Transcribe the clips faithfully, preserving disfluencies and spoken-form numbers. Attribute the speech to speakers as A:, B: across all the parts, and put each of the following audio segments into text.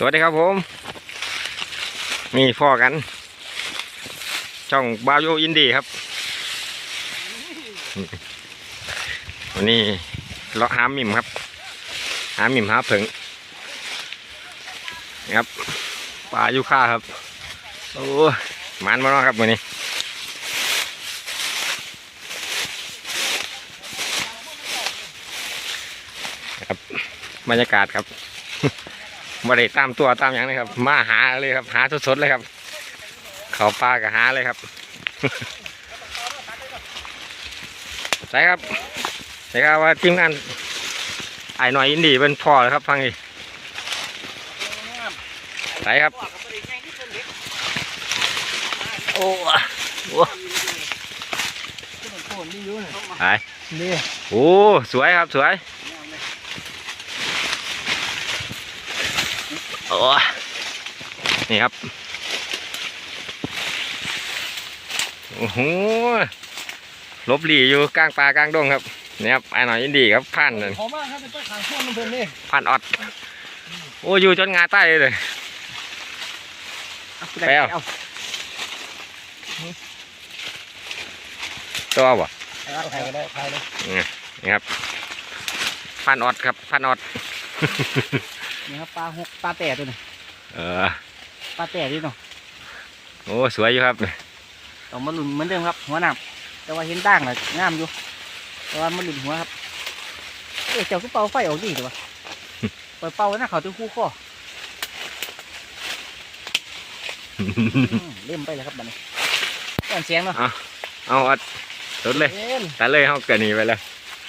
A: วัสดีครับผมมีพ่อกันช่องบาวโยอินดี้ครับวันนี้เลาะหาหมิ่มครับหาหมิ่มหาผึ่งนี่ครับปลายูค่าครับโอ้มันมาแล้วครับวันนี้ครับบรรยากาศครับมาได้ตามตัวตามอย่างนี้ครับมาหาเลยครับหาสดๆเลยครับเขาปลากับหาเลยครับใช่ครับใช่ครับว่าทีมงานไอ้หน่อยอินดี้เป็นพ่อเลยครับฟังดิใช่ครับโอ้โหไปโอ้สวยครับสวยโอ้นี่ครับโอ้โหลบหลีอยู่กลางป่ากลางดงครับนี่ครับไอ้หน่อยอินดี้ครับพันเลยพันออดโอ้อยู่จนงาใต้เลยไปเอาตัวบ่นี่ครับพันออดครับพันออด
B: นี่ครับปลาหกปลาแต่ตัวนี้
A: เออ
B: ปลาแต่ดิเนาะ
A: โอ้สวยอยู่ครับ
B: ต้องมาหลุนเหมือนเดิมครับหัวหนามแต่ว่าเห็นด่างเลยงามอยู่แต่ว่ามันหลุนหัวครับเอ๊ะเจ้าคือเป่าไฟออกดีถูกปะเปิดเป่าหน้าเขาตัวคู่ข้อเล่มไปเลยครับบัดนี้ก่อนเสียงเนาะ
A: เอาเอาอัดรถเลยแต่เลยเขาเกิดหนีไปเลย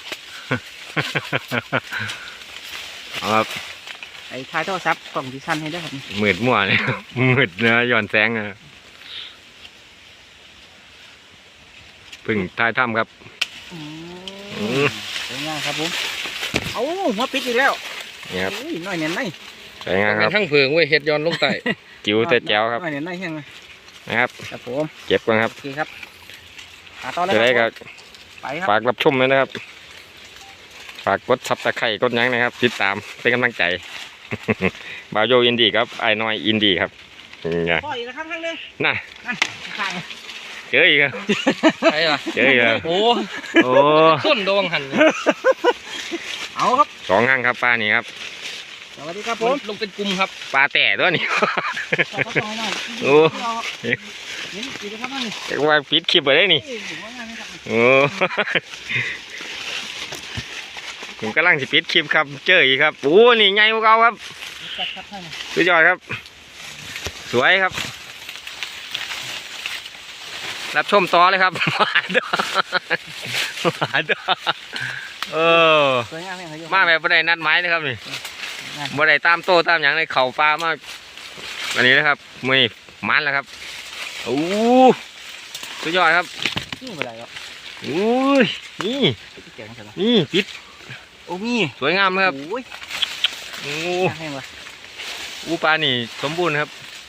A: เอาครับ
B: ไอ้ท้ายโทรศัพท์กล่องดิชันให้ได้ครับ
A: มืดมั่วเลยมืดเนื้อย้อนแสงอ่ะพึ่งท้ายถ้ำครับ
B: สวยงามครับผมเอาหัวปิดอีกแล้ว
A: นี่ครับ
B: น้อยเนียนไหน
A: สวยงามครับ
C: ทั้งเผืองเว้ยเห็ดย้อนลงใต้
A: จิ๋วแต่แจ๋วครับ
B: น้อยเนียนไหนแห้ง
A: นะครับ
B: ครับผม
A: เก็บกันครับ
B: โอเคครับต่อเลย
A: ครับฝากรับชมเลยนะครับฝากกดซับสไครต์กดยังนะครับติดตามเป็นกำลังใจบาวโยอินดี้ครับไอ้น้อยอินดี้ครับ
B: พ่ออีกแล้วครับข้างนึง
A: น่ะ
B: ข้าง
A: เจออีกครับ
C: ใช่ป่ะ
A: เจออีกครับ
C: โอ้
A: โอ้
C: ต้นโดงหัน
B: เอาครับ
A: สองห้างครับปลานี่ครับ
B: สวัสดีครับผม
C: ลงเป็นกลุ่มครับ
A: ปลาแต่ตัวนี้โอ้จะว่าปิดคลิปไปได้นี่โอ้ผมกำลังจะปิดคลิปครับเจออีกครับโอ้นี่ไงพวกเราครับสุดยอดครับสวยครับรับชมต่อเลยครับมาดมาดเออมาแบบบ่ได้นัดหมายนะครับนี่บ่ได้ตามโต้ตามอย่างในเข่าปลามากอันนี้นะครับมือมันแล้วครับโอ้สุดยอดครับ
B: นี่เป็นไรครับ
A: โอ้ยนี่นี่ปิด
B: โอ้มี
A: สวยงามครับ
B: โอ้ย
A: โอ้อูปลานี่สมบูรณ์ครับ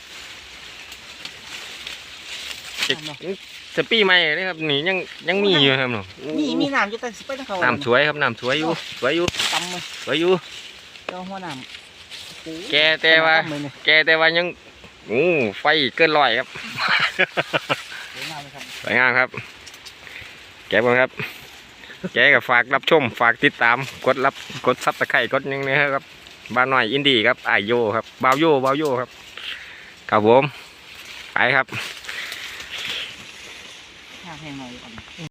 A: จะปีใหม่นี่ครับนี่ยังยังมีอยู่ครับหนู
B: มีมีน้ำอยู่แต่ไปทั้งเขา
A: น้ำสวยครับน้ำสวยอยู่สวยอยู่
B: ตำเลย
A: สวยอยู่
B: เจ้าหัวน้ำ
A: แกแต่ว่าแกแต่ว่ายังโอ้ไฟเกินร้อยครับสวยงามครับแกบ้างครับแกกับฝากรับชมฝากติดตามกดรับกดซับตะไคร่กดยังนะครับบ้านหน่อยอินดี้ครับไอโยครับบาวโยบาวโยครับครับผมไปครับ